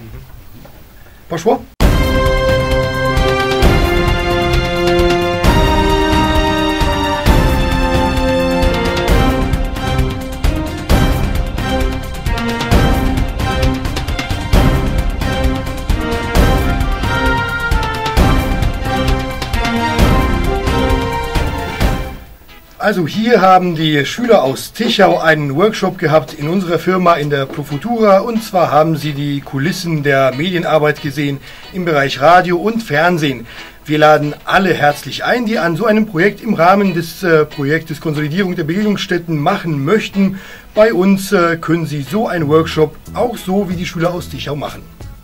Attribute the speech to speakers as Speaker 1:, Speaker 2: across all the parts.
Speaker 1: Poszło? Also hier haben die Schüler aus Tichau einen Workshop gehabt in unserer Firma in der Profutura, und zwar haben sie die Kulissen der Medienarbeit gesehen im Bereich Radio und Fernsehen. Wir laden alle herzlich ein, die an so einem Projekt im Rahmen des Projektes Konsolidierung der Bildungsstätten machen möchten. Bei uns können sie so einen Workshop auch so wie die Schüler aus Tichau machen.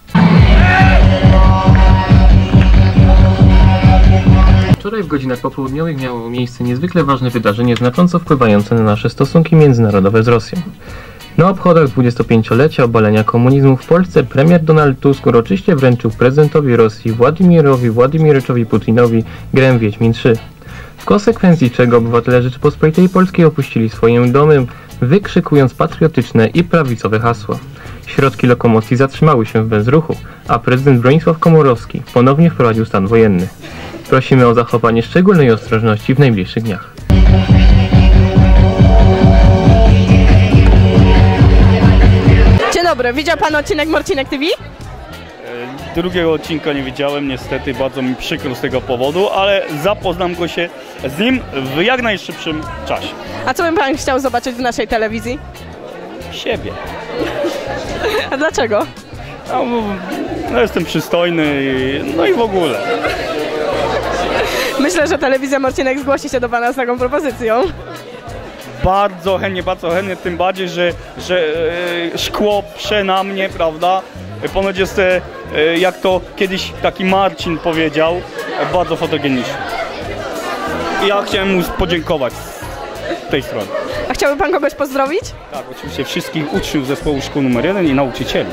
Speaker 2: Wczoraj w godzinach popołudniowych miało miejsce niezwykle ważne wydarzenie, znacząco wpływające na nasze stosunki międzynarodowe z Rosją. Na obchodach 25-lecia obalenia komunizmu w Polsce premier Donald Tusk uroczyście wręczył prezydentowi Rosji Władimirowi Władimiryczowi Putinowi grę Wiedźmin 3. W konsekwencji czego obywatele Rzeczypospolitej Polskiej opuścili swoje domy, wykrzykując patriotyczne i prawicowe hasła. Środki lokomocji zatrzymały się w bezruchu, a prezydent Bronisław Komorowski ponownie wprowadził stan wojenny. Prosimy o zachowanie szczególnej ostrożności w najbliższych dniach.
Speaker 3: Dzień dobry, widział pan odcinek Morcinek TV?
Speaker 4: Drugiego odcinka nie widziałem, niestety bardzo mi przykro z tego powodu, ale zapoznam się z nim w jak najszybszym czasie.
Speaker 3: A co by pan chciał zobaczyć w naszej telewizji?
Speaker 4: Siebie.
Speaker 3: A dlaczego?
Speaker 4: No jestem przystojny i w ogóle.
Speaker 3: Myślę, że telewizja Morcinek zgłosi się do pana z taką propozycją.
Speaker 4: Bardzo chętnie, tym bardziej, że szkło prze na mnie, prawda? Ponoć jest, jak to kiedyś taki Marcin powiedział, bardzo fotogeniczny. I ja chciałem mu podziękować z tej strony.
Speaker 3: A chciałby pan kogoś pozdrowić?
Speaker 4: Tak, oczywiście wszystkich uczniów zespołu szkół nr 1 i nauczycieli.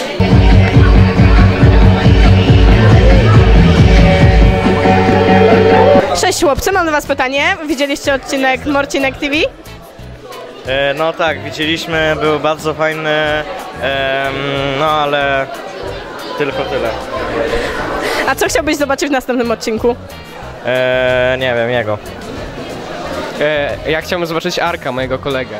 Speaker 3: Cześć chłopcy, mam do was pytanie. Widzieliście odcinek Morcinek TV?
Speaker 5: No tak, widzieliśmy, był bardzo fajny, no ale tylko tyle.
Speaker 3: A co chciałbyś zobaczyć w następnym odcinku?
Speaker 5: Nie wiem, jego.
Speaker 6: Ja chciałbym zobaczyć Arka, mojego kolegę.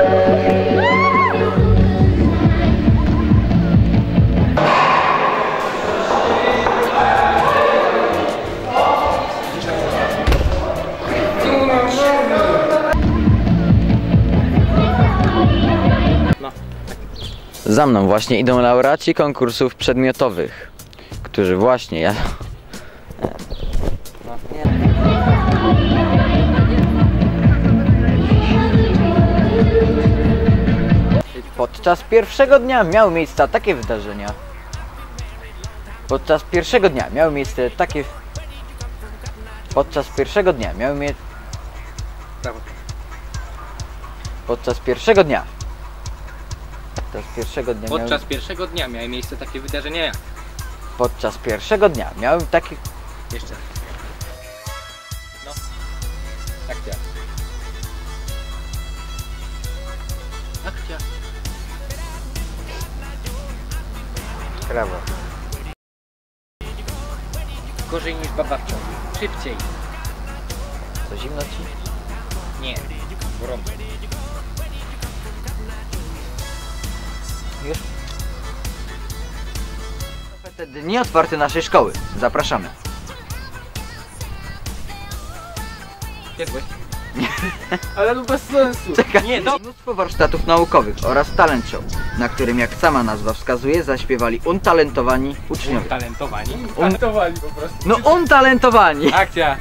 Speaker 7: Za mną właśnie idą laureaci konkursów przedmiotowych, którzy właśnie Podczas pierwszego dnia miały miejsce takie wydarzenia. Podczas pierwszego dnia miały miejsce takie wydarzenia jak? Podczas pierwszego dnia miały takie...
Speaker 6: Jeszcze. No. Akcja. Akcja.
Speaker 7: Brawo.
Speaker 6: Gorzej niż babawczą. Szybciej.
Speaker 7: Co, zimno ci?
Speaker 6: Nie. Gorąco.
Speaker 7: Już? Te dni otwarte naszej szkoły. Zapraszamy.
Speaker 6: Jadłeś? Ale to bez sensu.
Speaker 7: Czekaj. Nie, no. Mnóstwo warsztatów naukowych oraz talent show, na którym, jak sama nazwa wskazuje, zaśpiewali untalentowani uczniowie.
Speaker 6: Untalentowani? Untalentowani po prostu.
Speaker 7: No untalentowani!
Speaker 6: Akcja!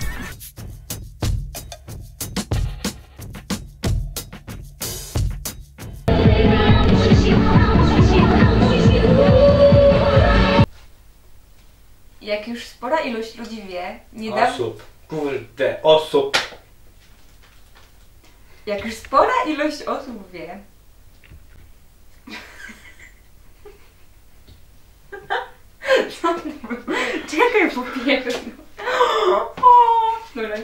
Speaker 8: Jak już spora ilość ludzi wie, Jak już spora ilość osób wie, czekaj, po pierwsze. Dobra,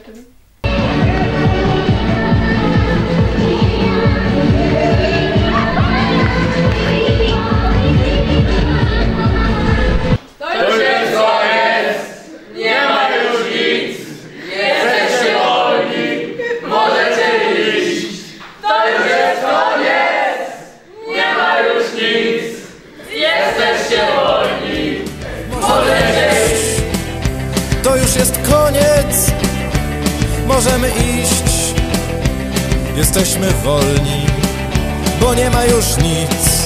Speaker 9: To już jest koniec, możemy iść. Jesteśmy wolni, bo nie ma już nic.